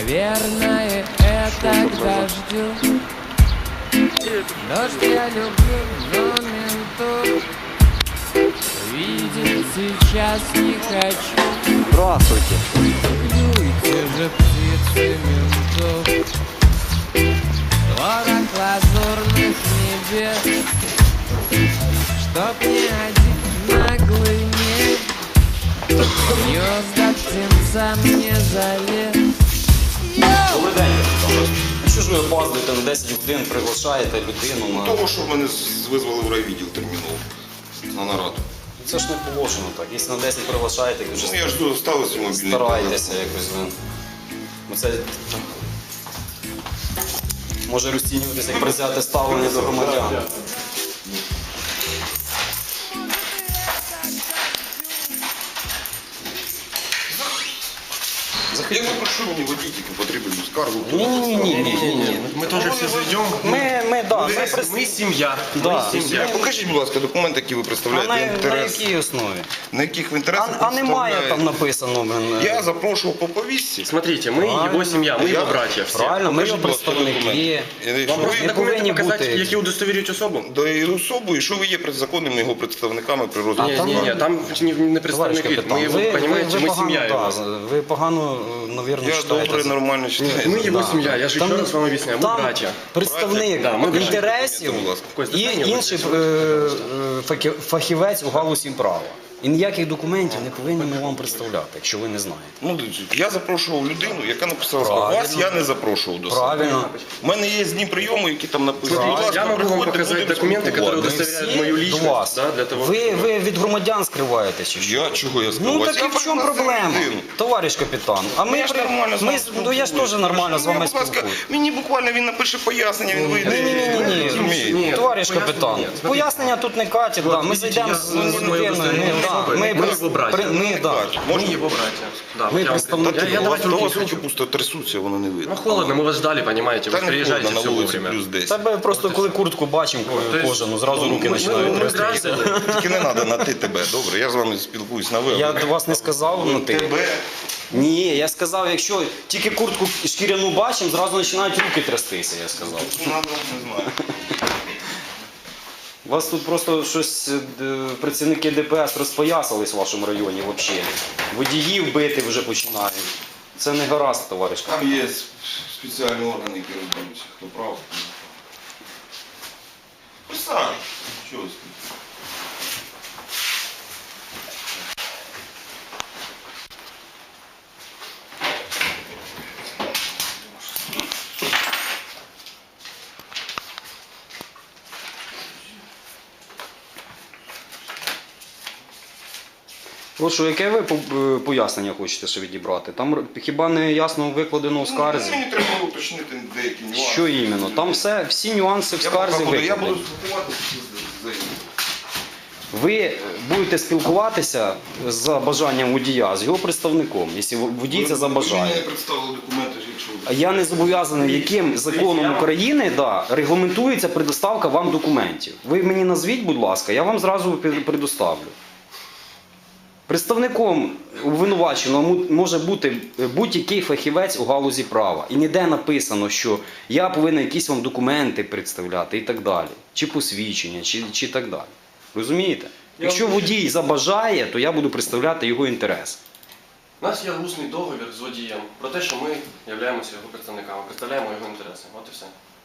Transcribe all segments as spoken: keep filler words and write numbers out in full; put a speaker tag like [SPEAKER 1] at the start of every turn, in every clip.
[SPEAKER 1] Наверное, это к дождю. Дождь я люблю, но ментов видеть сейчас не хочу.
[SPEAKER 2] Здравствуйте.
[SPEAKER 1] Клюйте же птицы ментов. Творог лазурных небес, чтоб ни один наглый не гнезда птенцам не залез.
[SPEAKER 2] Добрий день. А що ж ви опаздуєте на десять годин, приглашаєте людину на...
[SPEAKER 3] Того, що мене визвали в райвідділ терміново на нараду.
[SPEAKER 2] Це ж не положено так. Якщо на десять приглашаєте, то вже
[SPEAKER 3] Ну, я ж доставив свій мобільний
[SPEAKER 2] старайтеся якось ви. Бо це... Може розцінюватися як призяте ставлення до громадян.
[SPEAKER 3] Я попрошу мені водійки потрібну скаргу.
[SPEAKER 2] Ні, ні, ні, ні, ні.
[SPEAKER 4] Мы тоже все зайдем.
[SPEAKER 2] Ми, ми, да, ми,
[SPEAKER 4] Мы,
[SPEAKER 2] прис-
[SPEAKER 4] мы семья.
[SPEAKER 2] Да.
[SPEAKER 4] Мы семья.
[SPEAKER 3] Покажіть, будь ласка, документи, які ви
[SPEAKER 2] А
[SPEAKER 3] представляєте
[SPEAKER 2] на, на
[SPEAKER 3] інтерес.
[SPEAKER 2] якій основі?
[SPEAKER 3] На яких в
[SPEAKER 2] А,
[SPEAKER 3] інтересах
[SPEAKER 2] а немає там
[SPEAKER 3] представляєте?
[SPEAKER 2] написано, блин.
[SPEAKER 3] Я запрошував по повістці.
[SPEAKER 4] Смотрите, мы
[SPEAKER 2] Правильно.
[SPEAKER 4] его семья, мы
[SPEAKER 3] Я-
[SPEAKER 4] его братья. Все.
[SPEAKER 2] Правильно, ми його
[SPEAKER 3] Покажіть, будь ласка,
[SPEAKER 2] представники.
[SPEAKER 3] документи.
[SPEAKER 4] Вам
[SPEAKER 3] Що
[SPEAKER 4] просто
[SPEAKER 3] ви-
[SPEAKER 2] не
[SPEAKER 4] документы
[SPEAKER 2] повинні
[SPEAKER 4] показать,
[SPEAKER 2] бути.
[SPEAKER 4] які удостовірюють особу?
[SPEAKER 3] До її особу, і що ви є законними його представниками при розгляді.
[SPEAKER 4] Ні,
[SPEAKER 2] там-
[SPEAKER 4] ні, ні, там не, не
[SPEAKER 2] Товариш
[SPEAKER 4] представник вид.
[SPEAKER 2] капітан,
[SPEAKER 4] Мы его,
[SPEAKER 2] ви, ви,
[SPEAKER 4] понимаете,
[SPEAKER 2] ви
[SPEAKER 4] мы
[SPEAKER 2] погано,
[SPEAKER 4] семья
[SPEAKER 2] да,
[SPEAKER 4] его.
[SPEAKER 2] ви погано, навірно,
[SPEAKER 3] Я
[SPEAKER 2] читаєте.
[SPEAKER 3] добре, нормально читаю.
[SPEAKER 4] Мы его
[SPEAKER 2] Да.
[SPEAKER 4] семья, я же
[SPEAKER 2] Там-
[SPEAKER 4] еще раз вам объясняю, мы
[SPEAKER 2] Там
[SPEAKER 4] братья.
[SPEAKER 2] представник
[SPEAKER 4] Да, ми братя.
[SPEAKER 2] інтересів
[SPEAKER 3] Будь ласка.
[SPEAKER 4] Костя,
[SPEAKER 2] і
[SPEAKER 4] стань,
[SPEAKER 2] інший
[SPEAKER 4] я
[SPEAKER 2] е, е, фахі- фахівець у галузі права. І ніяких документів не повинні ми вам представляти, якщо ви не знаєте.
[SPEAKER 3] Ну, дивіться, я запрошував людину, яка написала скаргу.
[SPEAKER 2] Правильно.
[SPEAKER 3] Вас я не запрошував до себе.
[SPEAKER 2] Правильно.
[SPEAKER 3] У мене є дні прийому, які там написані.
[SPEAKER 4] Смотрите,
[SPEAKER 3] Будь ласка,
[SPEAKER 4] я могу вам
[SPEAKER 3] приходьте,
[SPEAKER 4] показать
[SPEAKER 3] будемо
[SPEAKER 4] документы, которые
[SPEAKER 3] спілкуватися.
[SPEAKER 4] удостоверяют
[SPEAKER 2] Всі
[SPEAKER 4] мою
[SPEAKER 2] до
[SPEAKER 4] личность.
[SPEAKER 2] вас.
[SPEAKER 4] Да, для того,
[SPEAKER 2] Ви, ви від громадян скриваєте чи що?
[SPEAKER 3] Я чого я
[SPEAKER 2] Ну
[SPEAKER 3] сказав?
[SPEAKER 2] так і в чому проблема, товариш капітан? А ми,
[SPEAKER 3] Я ж
[SPEAKER 2] при-
[SPEAKER 3] нормально з
[SPEAKER 2] ми,
[SPEAKER 3] вами
[SPEAKER 2] з- ну, я ж теж нормально з
[SPEAKER 3] Ну,
[SPEAKER 2] вами
[SPEAKER 3] будь ласка,
[SPEAKER 2] спілкуюсь.
[SPEAKER 3] мені буквально він напише пояснення, він вийде.
[SPEAKER 2] Ні-ні-ні,
[SPEAKER 3] Розумієте?
[SPEAKER 4] Ні,
[SPEAKER 2] товариш
[SPEAKER 4] пояснення
[SPEAKER 2] капітан,
[SPEAKER 4] ні. Смотрите.
[SPEAKER 2] пояснення тут не катять, да. ми
[SPEAKER 4] видите,
[SPEAKER 2] зайдемо
[SPEAKER 4] я-
[SPEAKER 2] з,
[SPEAKER 4] ну,
[SPEAKER 2] з
[SPEAKER 4] ми
[SPEAKER 2] людиною,
[SPEAKER 4] просто
[SPEAKER 2] ми,
[SPEAKER 4] не
[SPEAKER 2] да,
[SPEAKER 4] особи,
[SPEAKER 2] ми,
[SPEAKER 4] ми
[SPEAKER 2] при-
[SPEAKER 4] його братя.
[SPEAKER 2] при- ми, да.
[SPEAKER 4] Мы его братья. Да,
[SPEAKER 2] Мы
[SPEAKER 4] я вам-
[SPEAKER 2] представники.
[SPEAKER 4] Я, я
[SPEAKER 3] У вас
[SPEAKER 4] давайте
[SPEAKER 3] до
[SPEAKER 4] руки
[SPEAKER 3] вас
[SPEAKER 4] включу.
[SPEAKER 3] руки пусто трясуться, воно не видно.
[SPEAKER 4] Ну холодно, мы вас ждали, понимаете,
[SPEAKER 3] Та
[SPEAKER 4] вы
[SPEAKER 3] не
[SPEAKER 4] приезжаете
[SPEAKER 3] холодно,
[SPEAKER 4] все
[SPEAKER 3] на вулиці
[SPEAKER 4] вовремя.
[SPEAKER 3] плюс десять.
[SPEAKER 2] Тебе просто коли куртку бачимо
[SPEAKER 4] то есть,
[SPEAKER 2] кожану, зразу
[SPEAKER 4] ну,
[SPEAKER 2] руки
[SPEAKER 4] ми-
[SPEAKER 2] починають
[SPEAKER 4] ми- ми
[SPEAKER 2] трястися.
[SPEAKER 4] граждане.
[SPEAKER 3] Тільки не треба на ти тебе, добре? Я з вами спілкуюсь на ви.
[SPEAKER 2] Я до вас не сказав на ти.
[SPEAKER 3] Тебе.
[SPEAKER 2] Ні, я сказав, якщо тільки куртку шкіряну бачимо, зразу починають руки трястися, я сказав.
[SPEAKER 3] Надо, не знаю.
[SPEAKER 2] У вас тут просто щось е, працівники Д П С розпоясались в вашому районі взагалі. Водіїв бити вже починають. Це не гаразд, товариш.
[SPEAKER 3] Там є спеціальні органи, які розберуться, хто прав. Присаджуйтесь. Чого ви стоїте?
[SPEAKER 2] Прошу, яке ви по- е, пояснення хочете ще відібрати? Там р- хіба не ясно викладено в скарзі?
[SPEAKER 3] Мені треба уточнити деякі нюанси.
[SPEAKER 2] Що іменно? Там все, всі нюанси в
[SPEAKER 3] Я
[SPEAKER 2] скарзі
[SPEAKER 3] буду, я буду
[SPEAKER 2] викладені.
[SPEAKER 3] спілкуватися з заявою.
[SPEAKER 2] Ви будете спілкуватися за бажанням водія з його представником, якщо водій це
[SPEAKER 3] Ви мені
[SPEAKER 2] забажає.
[SPEAKER 3] не представили документи, якщо
[SPEAKER 2] А я не зобов'язаний, яким законом України да, регламентується предоставка вам документів. Ви мені назвіть, будь ласка, я вам зразу пе- предоставлю. Представником обвинуваченого му- може бути будь-який фахівець у галузі права. І ніде написано, що я повинен якісь вам документи представляти і так далі. Чи посвідчення, чи, чи так далі. Розумієте? Якщо водій забажає, то я буду представляти його інтерес.
[SPEAKER 4] У нас є усний договір з водієм про те, що ми являємося його представниками, представляємо його інтереси. От і все.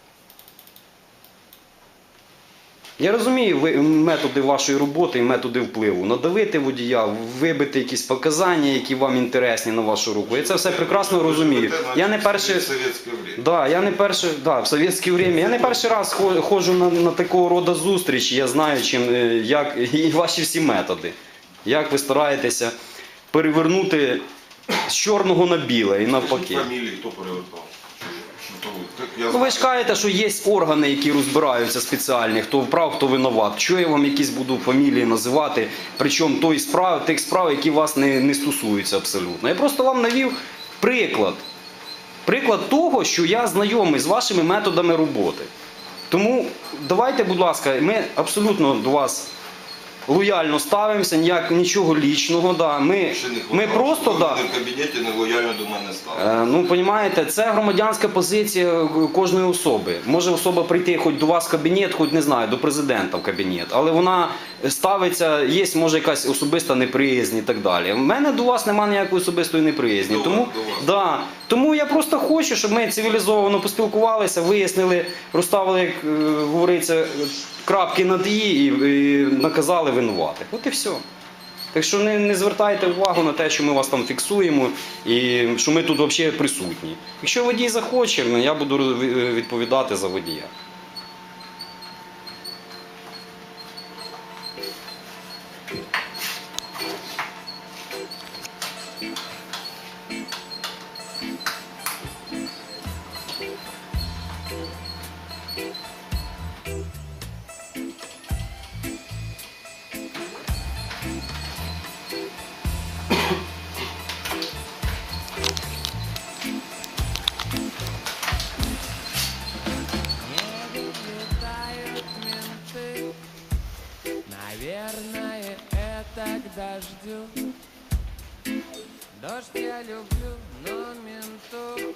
[SPEAKER 2] Я розумію ви- методи вашої роботи і методи впливу. Надавити водія, вибити якісь показання, які вам інтересні на вашу руку. Я це все прекрасно розумію. Я не перший...
[SPEAKER 3] Совєтське время.
[SPEAKER 2] Да, я не перший, да, в совєтське время. Я не перший раз хо- ходжу на, на такого роду зустрічі. Я знаю, чим, е, як і ваші всі методи. Як ви стараєтеся перевернути з чорного на біле і навпаки.
[SPEAKER 3] Фамілії хто перевертав? Хто ви? Так, я
[SPEAKER 2] Ну ви
[SPEAKER 3] знаю.
[SPEAKER 2] ж кажете, що є органи, які розбираються спеціальні, хто вправ, хто винуват. Чого я вам якісь буду фамілії називати, причому той справ, тих справ, які вас не, не стосуються абсолютно. Я просто вам навів приклад. Приклад того, що я знайомий з вашими методами роботи. Тому давайте, будь ласка, ми абсолютно до вас лояльно ставимося, ніяк, нічого лічного. Да. Ми,
[SPEAKER 3] Ще не
[SPEAKER 2] ми
[SPEAKER 3] хватало,
[SPEAKER 2] просто...
[SPEAKER 3] щоб
[SPEAKER 2] Да,
[SPEAKER 3] ви в кабінеті нелояльно до мене стали.
[SPEAKER 2] Е, Ну, розумієте, це громадянська позиція кожної особи. Може особа прийти хоч до вас в кабінет, хоч, не знаю, до президента в кабінет, але вона ставиться, є, може, якась особиста неприязнь і так далі. У мене до вас немає ніякої особистої неприязні.
[SPEAKER 3] До
[SPEAKER 2] Тому,
[SPEAKER 3] вас, до вас.
[SPEAKER 2] да, тому я просто хочу, щоб ми цивілізовано поспілкувалися, вияснили, розставили, як е, говориться, крапки над «і» і, і наказали винуватих. От і все. Так що не, не звертайте увагу на те, що ми вас там фіксуємо і що ми тут взагалі присутні. Якщо водій захоче, ну, я буду відповідати за водія.
[SPEAKER 1] Не летают менты. Наверное, это к дождю. Дождь я люблю, но менту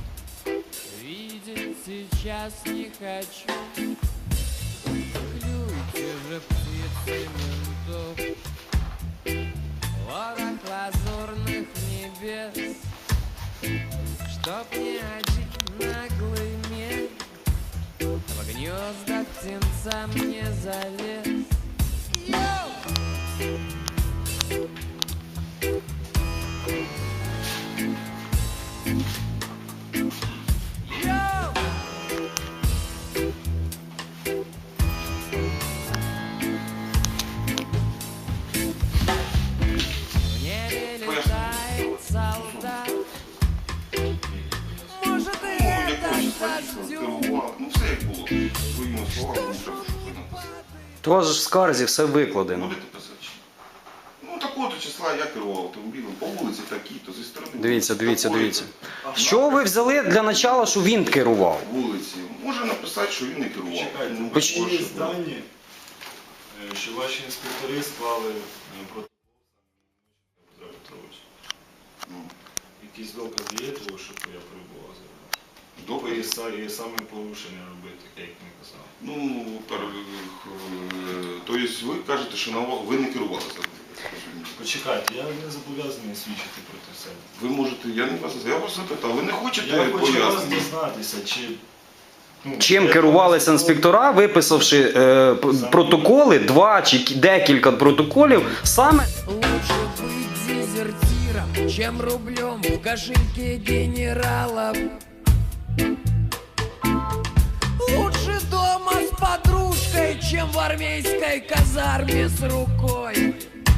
[SPEAKER 1] видеть сейчас не хочу. Клюйте же, птицы ментов, ворох лазурных небес, чтоб ни один наглый мех в гнезда птенцам не залез. Йоу! Йоу! В небе летает солдат. Может, и
[SPEAKER 3] Ну,
[SPEAKER 1] это
[SPEAKER 3] якось
[SPEAKER 1] к
[SPEAKER 3] фальшиво
[SPEAKER 1] дождю.
[SPEAKER 3] керували. Ну, все як було. Своїми словами, ну, що ж ви написали.
[SPEAKER 2] То вас же в скарзі все викладено.
[SPEAKER 3] Будете писати? чи ні? Ну, такого числа я керував автомобілем, по вулиці такі-то, зі сторони.
[SPEAKER 2] Дивіться, дивіться,
[SPEAKER 3] такої-то.
[SPEAKER 2] дивіться. Що ви взяли для начала, що він керував?
[SPEAKER 3] Вулиці. Може написати, що він не керував.
[SPEAKER 5] Чекайте,
[SPEAKER 3] Ну,
[SPEAKER 5] ну,
[SPEAKER 2] Поч-
[SPEAKER 5] є дані, е, що ваші інспектори склали е, протокол Петра Петровича.
[SPEAKER 3] Ну,
[SPEAKER 5] Якісь докази є того, що я перебував за рулем?
[SPEAKER 3] добре.
[SPEAKER 5] І са- І саме порушення робити, як він казав.
[SPEAKER 3] Ну, пер- е, то есть ви кажете, що на ва- ви не керували за розумієте?
[SPEAKER 5] Почекайте, я не зобов'язаний свідчити проти себе.
[SPEAKER 3] Ви можете, я не вас, я вас запитав, ви не хочете
[SPEAKER 5] Я хочу вас
[SPEAKER 3] пояснення?
[SPEAKER 5] дізнатися, чи... ну,
[SPEAKER 2] Чим
[SPEAKER 5] де
[SPEAKER 2] керувалися
[SPEAKER 5] протокол-
[SPEAKER 2] інспектора, виписавши е, п- протоколи, два чи кі- декілька протоколів, саме
[SPEAKER 1] Лучше быть дезертиром, чем рублем в кошельке генералов. Лучше дома с подружкой, чем в армейской казарме с рукой.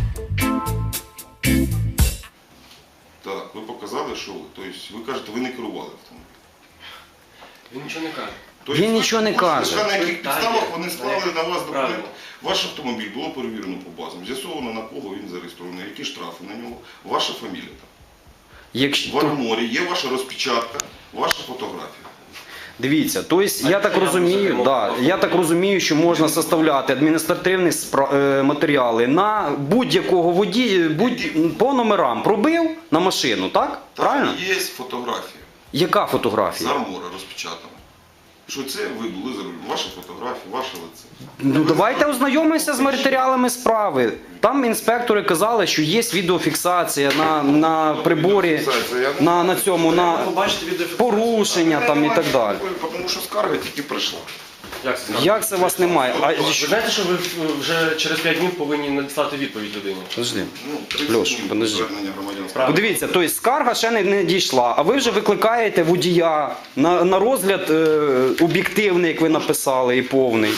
[SPEAKER 3] Так, ви показали, що ви. Тобто ви кажете, ви не керували автомобілем.
[SPEAKER 4] Він нічого не каже.
[SPEAKER 3] Тобто
[SPEAKER 2] Він
[SPEAKER 3] ви
[SPEAKER 2] нічого не
[SPEAKER 3] можете
[SPEAKER 2] каже.
[SPEAKER 3] сказати, на яких
[SPEAKER 4] Питання,
[SPEAKER 3] підставах вони склали
[SPEAKER 4] на
[SPEAKER 3] на вас документ.
[SPEAKER 4] правильно.
[SPEAKER 3] Ваш автомобіль було перевірено по базам, з'ясовано на кого він зареєстрований, які штрафи на нього, ваша фамілія там. В
[SPEAKER 2] якщо
[SPEAKER 3] арморі є ваша розпечатка, ваша фотографія.
[SPEAKER 2] дивіться, тобто я так
[SPEAKER 4] я
[SPEAKER 2] розумію,
[SPEAKER 4] можу
[SPEAKER 2] да, я так розумію, що можна составляти адміністративні спра- е, матеріали на будь-якого водія, будь по номерам пробив на машину, так? Правильно?
[SPEAKER 3] Там є фотографія
[SPEAKER 2] Яка
[SPEAKER 3] з
[SPEAKER 2] фотографія?
[SPEAKER 3] армора розпечатана. Що це ви були за рулем, ваша фотографія, ваше лице.
[SPEAKER 2] Ну давайте ознайомимося з матеріалами справи. Там інспектори казали, що є відеофіксація на, на приборі, на, на цьому, на
[SPEAKER 4] Побачите відеофіксацію.
[SPEAKER 2] порушення там і так далі.
[SPEAKER 3] Тому що скарга тільки прийшла.
[SPEAKER 4] Як це?
[SPEAKER 2] Як це вас немає? А,
[SPEAKER 4] Ви знаєте, що ви вже через п'ять днів повинні надіслати відповідь людині?
[SPEAKER 2] подожди.
[SPEAKER 3] Ну, тридцять
[SPEAKER 2] Льош,
[SPEAKER 3] днів
[SPEAKER 2] подожди.
[SPEAKER 3] звернення громадянського.
[SPEAKER 4] Правильно.
[SPEAKER 2] Подивіться, тобто скарга ще не, не дійшла, а ви вже викликаєте водія на, на розгляд е, об'єктивний, як ви написали, і повний.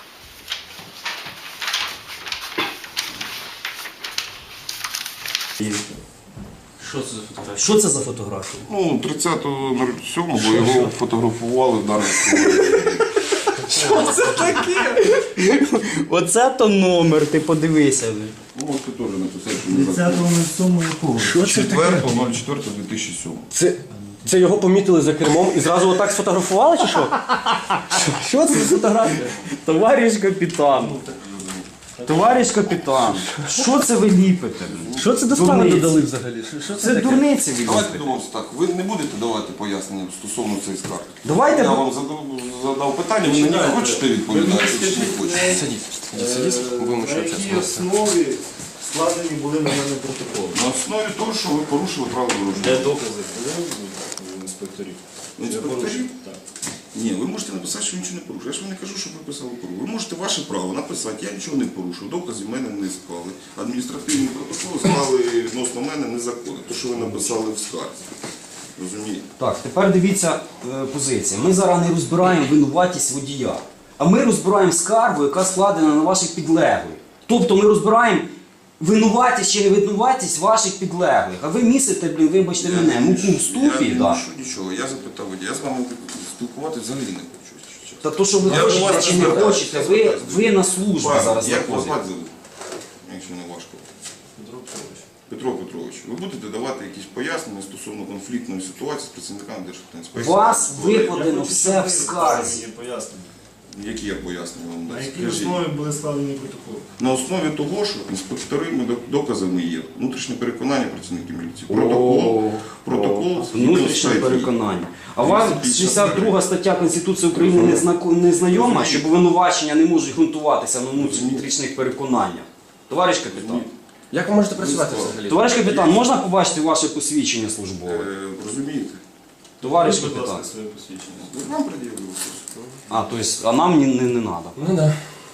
[SPEAKER 6] Що це за фотографія? Що це за фотографія?
[SPEAKER 3] Ну, тридцятого сьомого його фотографували в даному
[SPEAKER 6] Що це таке? Оце то номер, ти подивися.
[SPEAKER 3] Ну, от ти теж написав, що
[SPEAKER 6] на цьому якого? Що це таке?
[SPEAKER 3] четвертого четвертого дві тисячі сьомого.
[SPEAKER 7] Це, це його помітили за кермом і зразу отак сфотографували чи що?
[SPEAKER 6] Що це за фотографія?
[SPEAKER 7] Товариш капітан.
[SPEAKER 2] Товариш капітан, що це ви ліпите?
[SPEAKER 7] Що це до справи
[SPEAKER 2] Дурниці.
[SPEAKER 7] додали взагалі? Що, що це,
[SPEAKER 2] Це
[SPEAKER 7] таке?
[SPEAKER 2] дурниці ви
[SPEAKER 3] Давайте
[SPEAKER 2] ліпите.
[SPEAKER 3] домовимося так. Ви не будете давати пояснення стосовно цієї скарги?
[SPEAKER 2] Давайте
[SPEAKER 3] Я
[SPEAKER 2] б-
[SPEAKER 3] вам задав, задав питання, ви на нього хочете відповідати чи не хочете?
[SPEAKER 4] Сидіть, сидіть, сидіть, будемо
[SPEAKER 5] На
[SPEAKER 4] ще
[SPEAKER 5] якій
[SPEAKER 4] общатися.
[SPEAKER 5] основі складені були на мене протоколи?
[SPEAKER 3] На основі того, що ви порушили правила дорожнього
[SPEAKER 5] Де
[SPEAKER 3] руху.
[SPEAKER 5] докази були у інспекторів?
[SPEAKER 3] Інспекторів?
[SPEAKER 5] Так.
[SPEAKER 3] Ні, ви можете написати, що ви нічого не порушили. Я ж вам не кажу, що ви писали порушили. Ви можете ваше право написати, я нічого не порушив, доказів в мене не склали. Адміністративні протоколи склали відносно мене незаконно. Те, що ви написали в скарзі. Розумієте?
[SPEAKER 2] Так, тепер дивіться е, позиція. Ми зараз не розбираємо винуватість водія, а ми розбираємо скаргу, яка складена на ваших підлеглих. Тобто ми розбираємо винуватість чи невинуватість ваших підлеглих. А ви місите, блін, вибачте мене, муку в ступі.
[SPEAKER 3] Я не
[SPEAKER 2] Да.
[SPEAKER 3] мушу нічого. Я запитав водія. Я з вами спілкуватися взагалі не хочу. якщо чесно.
[SPEAKER 2] Та то, що ви
[SPEAKER 3] Я до
[SPEAKER 2] хочете
[SPEAKER 3] вас
[SPEAKER 2] чи не
[SPEAKER 3] звертаюся,
[SPEAKER 2] хочете, ви,
[SPEAKER 3] звертаюся.
[SPEAKER 2] ви на службі
[SPEAKER 3] Пане,
[SPEAKER 2] зараз
[SPEAKER 3] як вас
[SPEAKER 2] знаходитесь.
[SPEAKER 3] звати, якщо не важко?
[SPEAKER 5] Петро Петрович.
[SPEAKER 3] Петро Петрович, ви будете давати якісь пояснення стосовно конфліктної ситуації з працівниками Державтоінспекції?
[SPEAKER 2] Вас
[SPEAKER 3] Ви-
[SPEAKER 2] викладено
[SPEAKER 5] хочу,
[SPEAKER 2] все
[SPEAKER 5] щоб
[SPEAKER 2] в
[SPEAKER 5] ви
[SPEAKER 2] скарзі.
[SPEAKER 5] мені пояснення.
[SPEAKER 3] Які я пояснення вам
[SPEAKER 5] На
[SPEAKER 3] дам?
[SPEAKER 5] якій
[SPEAKER 3] Скажіть.
[SPEAKER 5] основі були складені протоколи?
[SPEAKER 3] На основі того, що інспекторами доказами є внутрішнє переконання працівників міліції. Протокол, протокол
[SPEAKER 2] Внутрішнє переконання. А вам шістдесят друга стаття Конституції України не, знако- не знайома, що обвинувачення не можуть ґрунтуватися на внутрішніх переконаннях? Товариш капітан.
[SPEAKER 4] Як ви можете працювати взагалі?
[SPEAKER 2] Товариш капітан, можна побачити ваше посвідчення службове?
[SPEAKER 3] Е, Розумієте?
[SPEAKER 2] Товариш
[SPEAKER 5] Будь
[SPEAKER 2] капітан.
[SPEAKER 5] ласка, своє посвідчення.
[SPEAKER 3] Ви Вам пред'явили.
[SPEAKER 2] А, то есть, а нам не, не, не надо.
[SPEAKER 4] Ну да.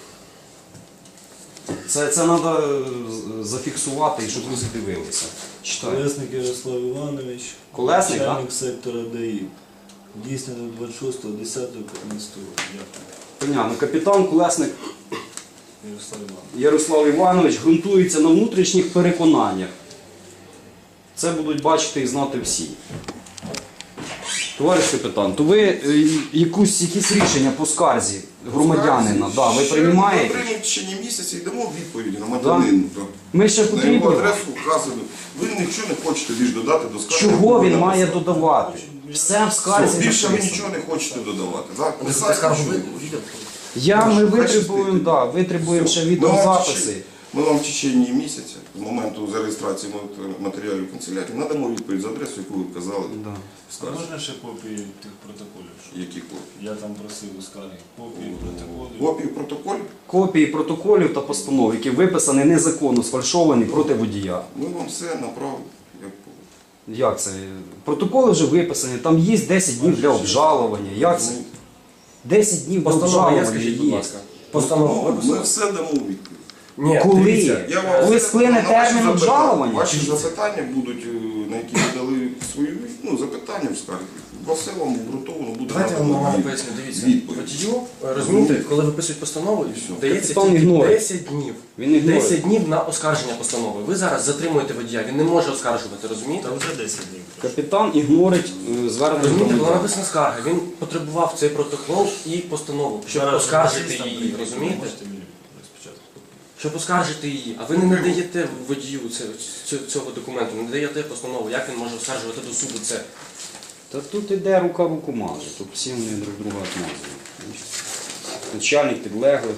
[SPEAKER 2] Це, це треба зафіксувати, і щоб ви задивилися. Читаю.
[SPEAKER 5] Колесник Ярослав Іванович,
[SPEAKER 2] Колесник, так?
[SPEAKER 5] начальник сектора ДАІ. Дійсно двадцять шостого десятого п'ятнадцятого року. Дякую.
[SPEAKER 2] Понятно. Капітан Колесник
[SPEAKER 5] Ярослав Іванович.
[SPEAKER 2] Ярослав Іванович ґрунтується на внутрішніх переконаннях. Це будуть бачити і знати всі. Товариш капітан, то ви е, якусь, якісь рішення по скарзі громадянина, да, ви
[SPEAKER 3] Ще
[SPEAKER 2] приймаєте?
[SPEAKER 3] Ми приймемо в течение місяця і дамо відповідь громадянину. так.
[SPEAKER 2] Ми ще
[SPEAKER 3] На його
[SPEAKER 2] потрібно.
[SPEAKER 3] адресу вказано. Ви нічого не хочете більш додати до скарги.
[SPEAKER 2] Чого
[SPEAKER 3] яку
[SPEAKER 2] він
[SPEAKER 3] ви
[SPEAKER 2] має
[SPEAKER 3] написали.
[SPEAKER 2] додавати? Все в
[SPEAKER 3] Все,
[SPEAKER 2] скарзі
[SPEAKER 3] більше ви
[SPEAKER 2] написано.
[SPEAKER 3] нічого не хочете додавати. Так?
[SPEAKER 4] Ви
[SPEAKER 3] Писати
[SPEAKER 4] скаргу
[SPEAKER 3] нічого не
[SPEAKER 4] ви-
[SPEAKER 3] хочете.
[SPEAKER 2] Я, ми
[SPEAKER 3] Хай
[SPEAKER 2] витребуємо,
[SPEAKER 3] щастить.
[SPEAKER 2] да, витребуємо ще
[SPEAKER 3] Все. Ми вам в
[SPEAKER 2] відеозаписи.
[SPEAKER 3] течение- Ми вам в течение місяця, з моменту зареєстрації матеріалів канцелярії, надамо відповідь за адресу, яку ви вказали
[SPEAKER 2] Да.
[SPEAKER 3] в
[SPEAKER 5] А
[SPEAKER 3] скарзі.
[SPEAKER 5] можна ще копії тих протоколів? що
[SPEAKER 3] Які копії?
[SPEAKER 5] Я там просив у скаргі. Копії протоколів.
[SPEAKER 3] Копії протоколів?
[SPEAKER 2] Копії протоколів та постанов, які виписані незаконно, сфальшовані проти водія.
[SPEAKER 3] Ми вам все направимо. як було.
[SPEAKER 2] Як це? Протоколи вже виписані, там є десять днів для обжалування. Як це? десять днів для
[SPEAKER 4] Постанова є,
[SPEAKER 2] обжалування
[SPEAKER 4] скажіть, будь
[SPEAKER 2] є.
[SPEAKER 4] ласка. Постанова
[SPEAKER 3] Ну, Ми
[SPEAKER 4] виписана?
[SPEAKER 3] все дамо у відповідь.
[SPEAKER 4] Ні,
[SPEAKER 2] Коли?
[SPEAKER 4] дивіться,
[SPEAKER 3] Я вам
[SPEAKER 2] Коли
[SPEAKER 3] все-
[SPEAKER 2] сплине
[SPEAKER 3] на ваші
[SPEAKER 2] термін
[SPEAKER 3] запитання-
[SPEAKER 2] обжалування?
[SPEAKER 3] Ваші запитання будуть, е, на які ви дали свої ну, запитання в скаргі. Все вам обґрунтовано буде.
[SPEAKER 4] Давайте я вам
[SPEAKER 3] надано
[SPEAKER 4] нормально
[SPEAKER 3] від-
[SPEAKER 4] поясню. Дивіться,
[SPEAKER 3] відповідь.
[SPEAKER 4] водію, е, розумієте, коли виписують постанову, дається
[SPEAKER 2] Капітан
[SPEAKER 4] тільки
[SPEAKER 2] ігнорує.
[SPEAKER 4] десять днів.
[SPEAKER 2] Він ігнорує.
[SPEAKER 4] десять днів на оскарження постанови. Ви зараз затримуєте водія, він не може оскаржувати, розумієте?
[SPEAKER 5] Та вже десять днів.
[SPEAKER 2] Капітан ігнорить е, звернення
[SPEAKER 4] Розумієте, була
[SPEAKER 2] громадян.
[SPEAKER 4] написана скарга, він потребував цей протокол і постанову, щоб
[SPEAKER 5] Зараз
[SPEAKER 4] оскаржити
[SPEAKER 5] журналістам
[SPEAKER 4] її,
[SPEAKER 5] прийти,
[SPEAKER 4] розумієте?
[SPEAKER 5] Можете мені спочатку.
[SPEAKER 4] Щоб оскаржити її, а ви не надаєте водію це- цю- цього документу, не надаєте постанову, як він може оскаржувати до суду це.
[SPEAKER 2] Та тут іде рука руку маже, тут всі вони друг друга отмазують. Начальник підлеглих.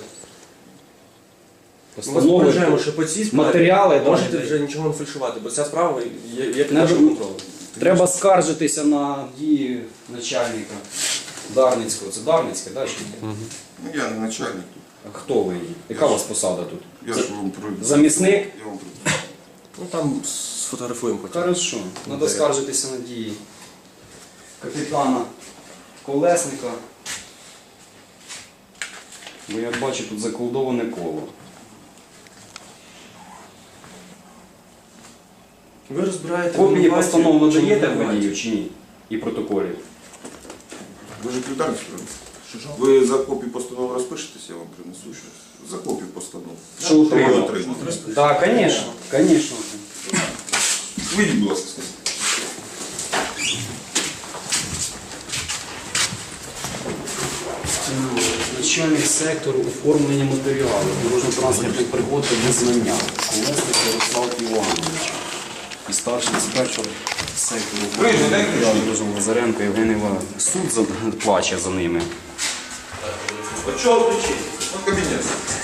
[SPEAKER 4] Ми вас
[SPEAKER 2] Постанови.
[SPEAKER 4] попереджаємо, що по цій справі
[SPEAKER 2] матеріали, да,
[SPEAKER 4] можете
[SPEAKER 2] да.
[SPEAKER 4] вже нічого не фальшувати, бо ця справа є, є під
[SPEAKER 2] Не
[SPEAKER 4] нашим
[SPEAKER 2] ж-
[SPEAKER 4] контролем.
[SPEAKER 2] Треба скаржитися на дії начальника Дарницького. Це Дарницьке, так?
[SPEAKER 3] Ну, я не начальник тут.
[SPEAKER 2] А хто ви? Яка у вас посада тут?
[SPEAKER 3] Я ж вам про...
[SPEAKER 2] Замісник?
[SPEAKER 3] Я вам про...
[SPEAKER 4] Ну там сфотографуємо потім.
[SPEAKER 2] Хорошо. Треба скаржитися на дії капітана Колесника. Бо я бачу тут заколдоване коло.
[SPEAKER 4] Ви розбираєте
[SPEAKER 2] Копії
[SPEAKER 4] винуватців,
[SPEAKER 2] постанов
[SPEAKER 4] чи
[SPEAKER 2] надаєте
[SPEAKER 4] не винуватців?
[SPEAKER 2] водію чи ні? І протоколів.
[SPEAKER 3] Ви ж секретар справи? Ви за копію постанов розпишетесь, я вам принесу щось. За копію постанов.
[SPEAKER 2] Що
[SPEAKER 3] Ви
[SPEAKER 2] отримав?
[SPEAKER 3] отримали.
[SPEAKER 2] Так, звісно, звісно.
[SPEAKER 3] Вийдіть, будь ласка, скажіть.
[SPEAKER 2] Начальник сектору оформлення матеріалів дорожньо-транспортних пригод та визнання. Колесник Ярослав Іванович. І старший диспетчер сектору оформлення матеріалів дорожнього Лазаренко Євген Іванович. Суд за- плаче за ними.
[SPEAKER 3] От чого кричить? От кабінет.